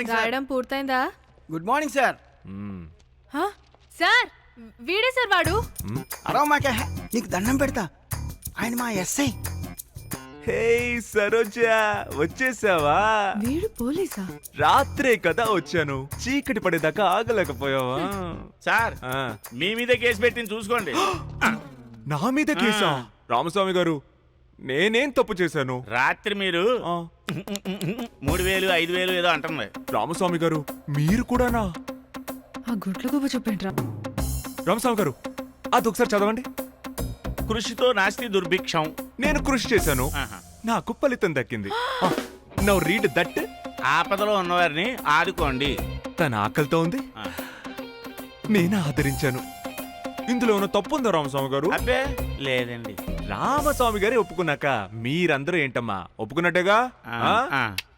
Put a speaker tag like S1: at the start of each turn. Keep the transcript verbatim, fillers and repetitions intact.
S1: Morning sir.
S2: రాయడం పూర్తయిందా?
S1: Good morning sir.
S2: హ? సార్ వీడే సార్ వాడు.
S1: అరవ మాకే నీకు దండం పెడతా, ఆయన మా ఎస్ఐ.
S3: హే సరోజా, వచ్చేసావా?
S2: వీడు పోలీసా?
S3: రాత్రే కదా వచ్చాను, చీకటి పడేదాకా ఆగలేకపోయావా?
S4: సార్
S3: ఆ.
S4: మీ మీద కేసు పెట్టింది చూసుకోండి.
S3: నా మీద కేసా? రామస్వామి గారు, నేనేం తప్పు చేశాను?
S4: రాత్రి మీరు
S3: ఆ,
S4: మూడు వేలు ఐదు వేలు ఏదో అంటుంది.
S3: రామస్వామి గారు మీరు కూడానా?
S2: ఆ గుడ్ల గుబ చూపేంట్రా.
S3: రామస్వామి గారు, అది ఒకసారి చదవండి.
S4: కృషితో నాస్తి దుర్భిక్షం.
S3: నేను కృషి చేశాను,
S4: ఆహా.
S3: నాకు ఫలితం దక్కింది. Now read that.
S4: ఆపదలో ఉన్నవారిని ఆదుకోండి.
S3: తన ఆకలితో ఉంది,
S4: ఆ.
S3: నేను ఆదరించాను. ఇందులో ఉన్న తప్పు ఉందా రామస్వామి గారు?
S4: అబ్బే లేదండి.
S3: రామస్వామి గారే ఒప్పుకున్నాక మీరందరూ ఏంటమ్మా ఒప్పుకున్నట్టేగా?
S4: ఆ,
S3: ఆ?
S4: ఆ.